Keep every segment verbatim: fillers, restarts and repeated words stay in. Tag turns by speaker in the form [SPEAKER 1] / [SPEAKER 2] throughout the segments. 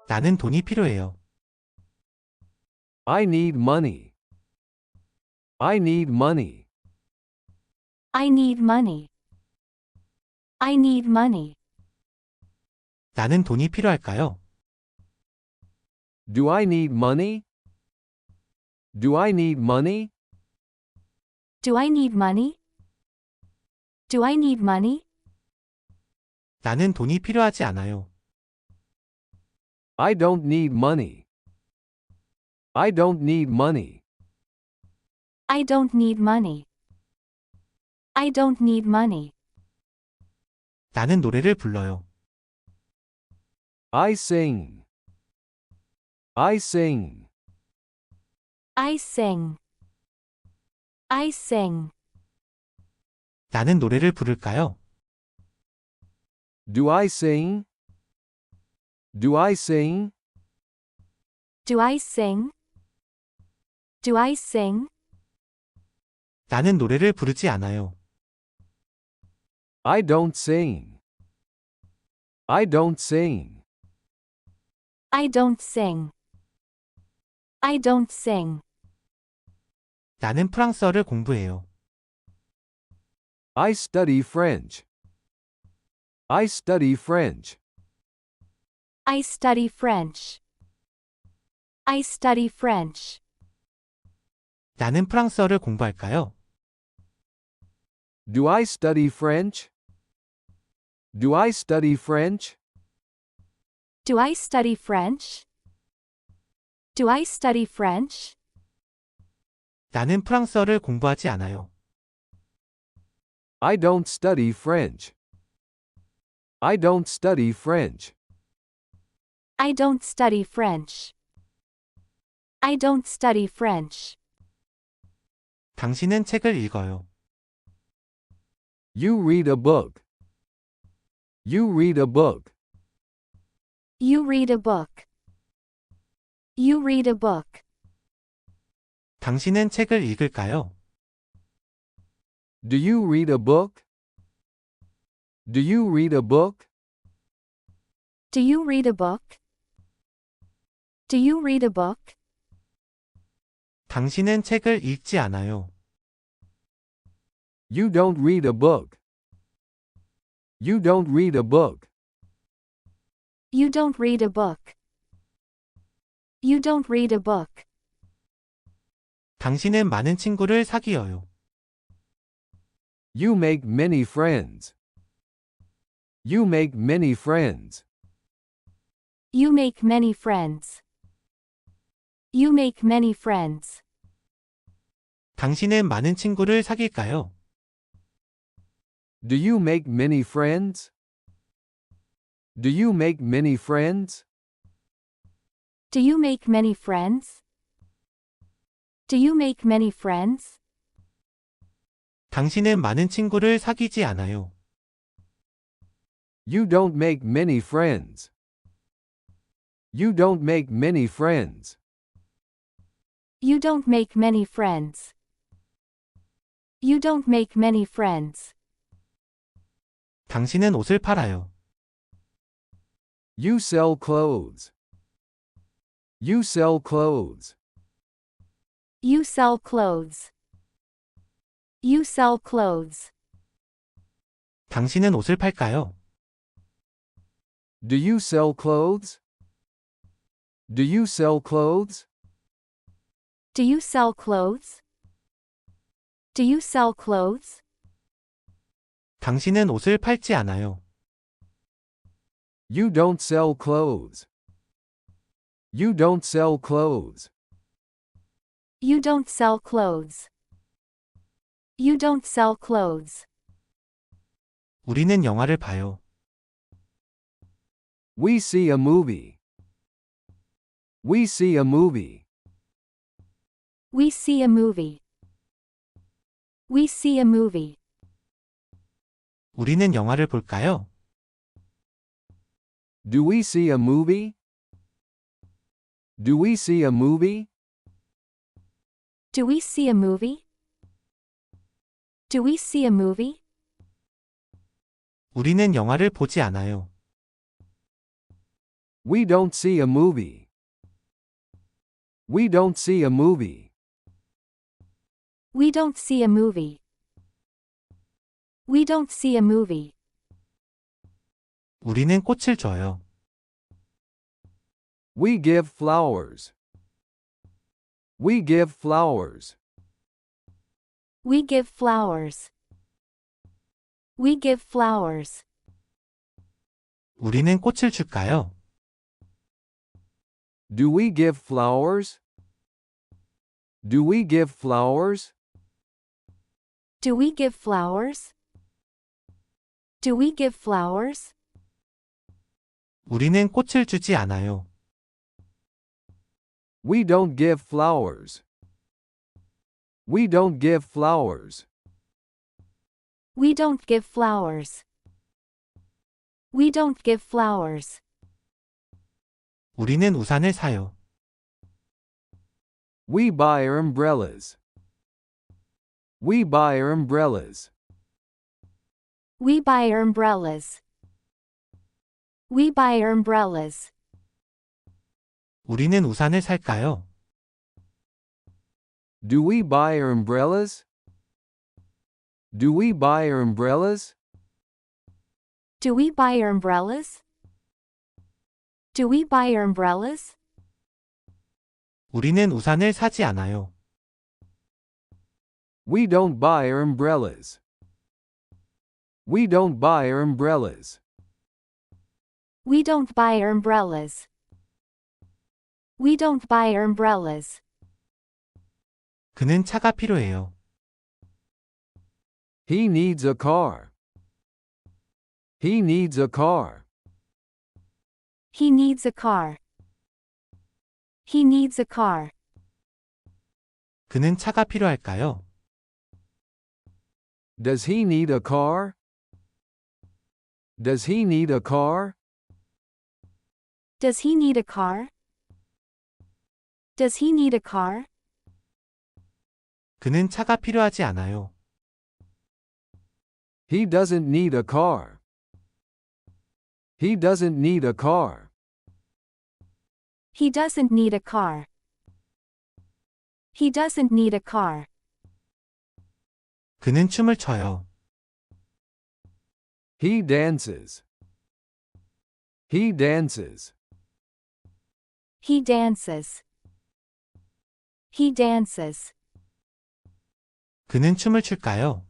[SPEAKER 1] 나는 돈이 필요해요.
[SPEAKER 2] I need money. I need money.
[SPEAKER 3] I need money. I need money.
[SPEAKER 1] 나는 돈이 필요할까요?
[SPEAKER 2] Do I need money? Do I need money?
[SPEAKER 3] Do I need money? Do I need money?
[SPEAKER 1] 나는 돈이 필요하지 않아요.
[SPEAKER 2] I don't need money. I don't need money.
[SPEAKER 3] I don't need money. I don't need money.
[SPEAKER 1] 나는 노래를 불러요.
[SPEAKER 2] I sing. I sing.
[SPEAKER 3] I sing. I sing.
[SPEAKER 1] 나는 노래를 부를까요?
[SPEAKER 2] Do I sing? Do I sing?
[SPEAKER 3] Do I sing? Do I sing?
[SPEAKER 1] 나는 노래를 부르지 않아요.
[SPEAKER 2] I don't sing. I don't sing.
[SPEAKER 3] I don't sing. I don't sing.
[SPEAKER 1] 나는 프랑스어를 공부해요.
[SPEAKER 2] I study French. I study French.
[SPEAKER 3] I study French. I study French.
[SPEAKER 1] 나는 프랑스어를 공부할까요?
[SPEAKER 2] Do I study French? Do I study French?
[SPEAKER 3] Do I study French? Do I study French?
[SPEAKER 1] 나는 프랑스어를 공부하지 않아요.
[SPEAKER 2] I don't study French. I don't study French.
[SPEAKER 3] I don't study French. I don't study French.
[SPEAKER 1] 당신은 책을 읽어요.
[SPEAKER 2] You read a book. You read a book.
[SPEAKER 3] You read a book. You read a book.
[SPEAKER 1] 당신은 책을 읽을까요?
[SPEAKER 2] Do you read a book? Do you read a book?
[SPEAKER 3] Do you read a book? Do you read a book?
[SPEAKER 1] 당신은 책을 읽지 않아요.
[SPEAKER 2] You don't read a book. You don't read a book.
[SPEAKER 3] You don't read a book. You don't read a book.
[SPEAKER 1] 당신은 많은 친구를 사귀어요.
[SPEAKER 2] You make many friends. You make many friends.
[SPEAKER 3] You make many friends. You make many friends.
[SPEAKER 1] 당신은 많은 친구를 사귈까요?
[SPEAKER 2] Do you make many friends? Do you make many friends?
[SPEAKER 3] Do you make many friends? Do you make many friends?
[SPEAKER 1] 당신은 많은 친구를 사귀지 않아요.
[SPEAKER 2] You don't make many friends. You don't make many friends.
[SPEAKER 3] You don't make many friends. You don't make many friends.
[SPEAKER 1] 당신은 옷을 팔아요.
[SPEAKER 2] You sell clothes. You sell clothes.
[SPEAKER 3] You sell clothes. You sell clothes.
[SPEAKER 1] 당신은 옷을 팔까요?
[SPEAKER 2] Do you sell clothes? Do you sell clothes?
[SPEAKER 3] Do you sell clothes? Do you sell clothes?
[SPEAKER 1] 당신은 옷을 팔지 않아요.
[SPEAKER 2] You don't sell clothes. You don't sell clothes.
[SPEAKER 3] You don't sell clothes. You don't sell clothes.
[SPEAKER 1] 우리는 영화를 봐요.
[SPEAKER 2] We see a movie. We see a movie.
[SPEAKER 3] We see a movie. We see a movie.
[SPEAKER 1] 우리는 영화를 볼까요?
[SPEAKER 2] Do we see a movie? Do we see a movie?
[SPEAKER 3] Do we see a movie? Do we see a movie?
[SPEAKER 1] 우리는 영화를 보지 않아요.
[SPEAKER 2] We don't see a movie. We don't see a movie.
[SPEAKER 3] We don't see a movie. We don't see a movie.
[SPEAKER 1] 우리는 꽃을 줘요.
[SPEAKER 2] We give flowers. We give flowers.
[SPEAKER 3] We give flowers. We give flowers.
[SPEAKER 1] 우리는 꽃을 줄까요?
[SPEAKER 2] Do we give flowers? Do we give flowers?
[SPEAKER 3] Do we give flowers? Do we give flowers?
[SPEAKER 1] 우리는 꽃을 주지 않아요.
[SPEAKER 2] We don't give flowers. We don't give flowers.
[SPEAKER 3] We don't give flowers. We don't give flowers.
[SPEAKER 1] 우리는 우산을 사요.
[SPEAKER 2] We buy umbrellas. We buy umbrellas.
[SPEAKER 3] We buy umbrellas. We buy umbrellas.
[SPEAKER 1] 우리는 우산을 살까요?
[SPEAKER 2] Do we buy umbrellas? Do we buy umbrellas?
[SPEAKER 3] Do we buy umbrellas? Do we buy umbrellas?
[SPEAKER 1] 우리는 우산을 사지 않아요.
[SPEAKER 2] We don't buy umbrellas. We don't buy umbrellas.
[SPEAKER 3] We don't buy umbrellas. We don't buy umbrellas.
[SPEAKER 1] 그는 차가 필요해요.
[SPEAKER 2] He needs a car. He needs a car.
[SPEAKER 3] He needs a car. He needs a car.
[SPEAKER 1] 그는 차가 필요할까요?
[SPEAKER 2] Does he need a car? Does he need a car?
[SPEAKER 3] Does he need a car? Does he need a car?
[SPEAKER 1] 그는 차가 필요하지 않아요.
[SPEAKER 2] He doesn't need a car. He doesn't need a car.
[SPEAKER 3] He doesn't need a car. He doesn't need a car.
[SPEAKER 1] 그는 춤을 춰요.
[SPEAKER 2] He dances. He dances.
[SPEAKER 3] He dances. He dances.
[SPEAKER 1] 그는 춤을 출까요?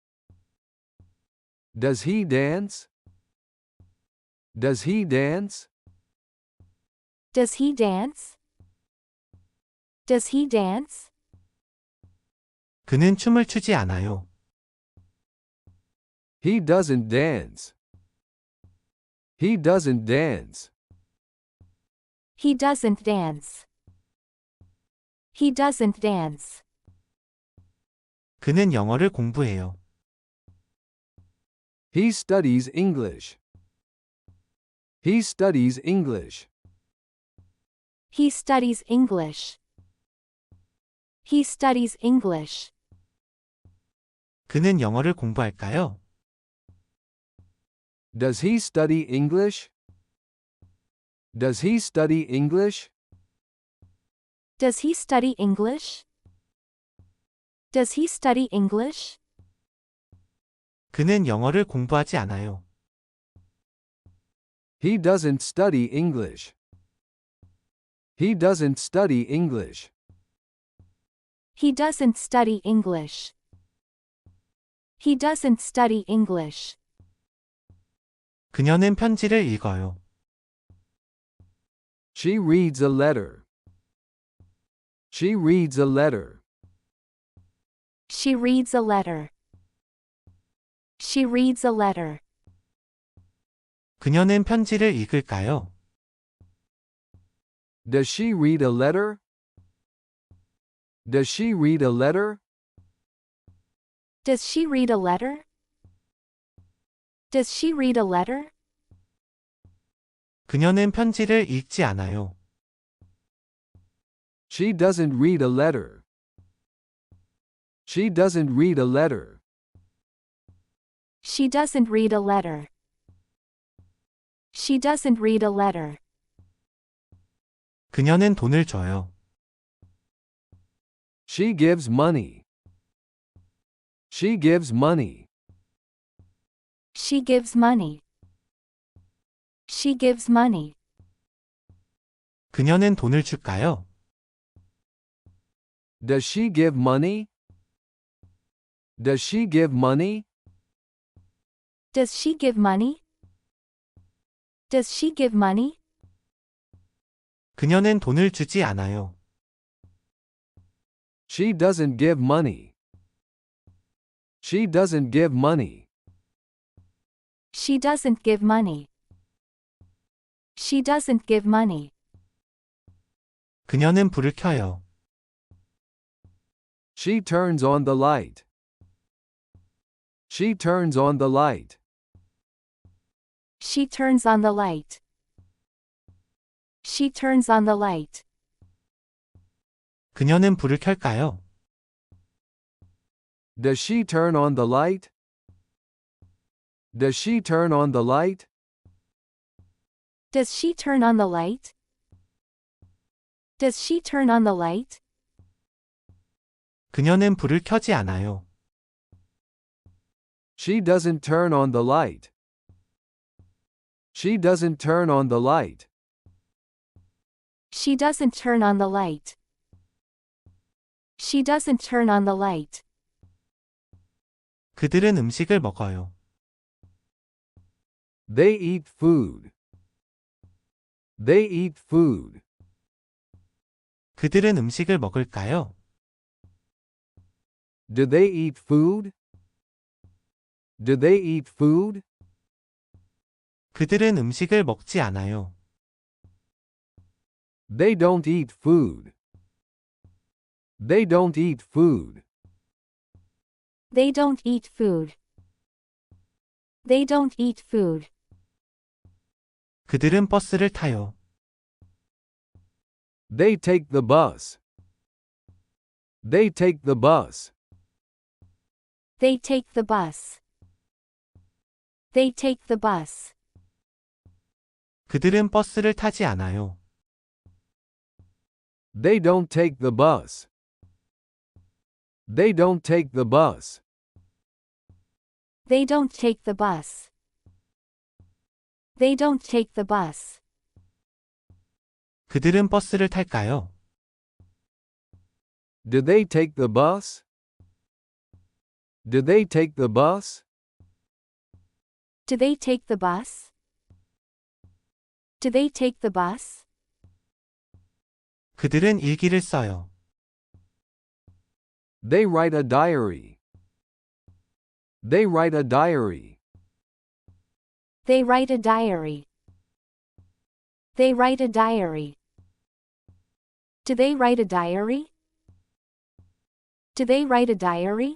[SPEAKER 2] Does he dance? Does he dance?
[SPEAKER 3] Does he dance? Does he dance?
[SPEAKER 1] 그는 춤을 추지 않아요.
[SPEAKER 2] He doesn't dance. He doesn't dance.
[SPEAKER 3] He doesn't dance. He doesn't dance.
[SPEAKER 1] 그는 영어를 공부해요.
[SPEAKER 2] He studies English. He studies English.
[SPEAKER 3] He studies English. He studies English.
[SPEAKER 1] 그는 영어를 공부할까요?
[SPEAKER 2] Does he study English? Does he study English?
[SPEAKER 3] Does he study English? Does he study English?
[SPEAKER 1] 그는 영어를 공부하지 않아요.
[SPEAKER 2] He doesn't study English. He doesn't study English.
[SPEAKER 3] He doesn't study English. He doesn't study English.
[SPEAKER 1] 그녀는 편지를 읽어요.
[SPEAKER 2] She reads a letter. She reads a letter.
[SPEAKER 3] She reads a letter. She reads a letter.
[SPEAKER 1] 그녀는 편지를 읽을까요?
[SPEAKER 2] Does she read a letter? Does she read a letter?
[SPEAKER 3] Does she read a letter? Does she read a letter?
[SPEAKER 1] 그녀는 편지를 읽지 않아요.
[SPEAKER 2] She doesn't read a letter. She doesn't read a letter.
[SPEAKER 3] She doesn't read a letter. She doesn't read a letter.
[SPEAKER 1] 그녀는 돈을 줘요.
[SPEAKER 2] She gives money. She gives money.
[SPEAKER 3] She gives money. She gives money.
[SPEAKER 1] 그녀는 돈을 줄까요?
[SPEAKER 2] Does she give money? Does she give money?
[SPEAKER 3] Does she give money? Does she give money?
[SPEAKER 1] 그녀는 돈을 주지 않아요.
[SPEAKER 2] She doesn't give money. She doesn't give money.
[SPEAKER 3] She doesn't give money. She doesn't give money.
[SPEAKER 1] 그녀는 불을 켜요.
[SPEAKER 2] She turns on the light. She turns on the light.
[SPEAKER 3] She turns on the light. She turns on the light.
[SPEAKER 1] 그녀는 불을 켤까요?
[SPEAKER 2] Does she turn on the light? Does she turn on the light?
[SPEAKER 3] Does she turn on the light? Does she turn on the light?
[SPEAKER 1] 그녀는 불을 켜지 않아요.
[SPEAKER 2] She doesn't turn on the light. She doesn't turn on the light.
[SPEAKER 3] She doesn't turn on the light. She doesn't turn on the light.
[SPEAKER 1] 그들은 음식을 먹어요.
[SPEAKER 2] They eat food. They eat food.
[SPEAKER 1] 그들은 음식을 먹을까요?
[SPEAKER 2] Do they eat food? Do they eat food?
[SPEAKER 1] 그들은 음식을 먹지 않아요.
[SPEAKER 2] They don't eat food. They don't eat food.
[SPEAKER 3] They don't eat food. They don't eat food.
[SPEAKER 1] 그들은 버스를 타요.
[SPEAKER 2] They take the bus. They take the bus.
[SPEAKER 3] They take the bus. They take the bus.
[SPEAKER 1] 그들은 버스를 타지 않아요.
[SPEAKER 2] They don't take the bus. They don't take the bus.
[SPEAKER 3] They don't take the bus. They don't take the bus.
[SPEAKER 1] 그들은 버스를 탈까요?
[SPEAKER 2] Do they take the bus? Do they take the bus?
[SPEAKER 3] Do they take the bus? Do they take the bus?
[SPEAKER 1] 그들은 일기를 써요.
[SPEAKER 2] They write a diary. They write a diary.
[SPEAKER 3] They write a diary. They write a diary. Do they write a diary? Do they write a diary?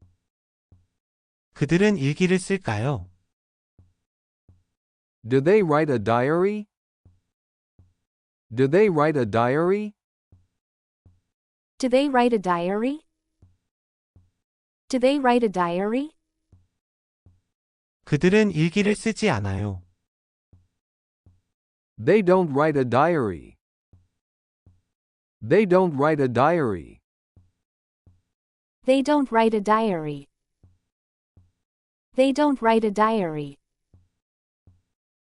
[SPEAKER 1] 그들은 일기를 쓸까요?
[SPEAKER 2] Do they write a diary? Do they write a diary?
[SPEAKER 3] Do they write a diary? Do they write a diary?
[SPEAKER 1] 그들은 일기를 쓰지 않아요.
[SPEAKER 2] They don't write a diary. They don't write a diary.
[SPEAKER 3] They don't write a diary. They don't write a diary.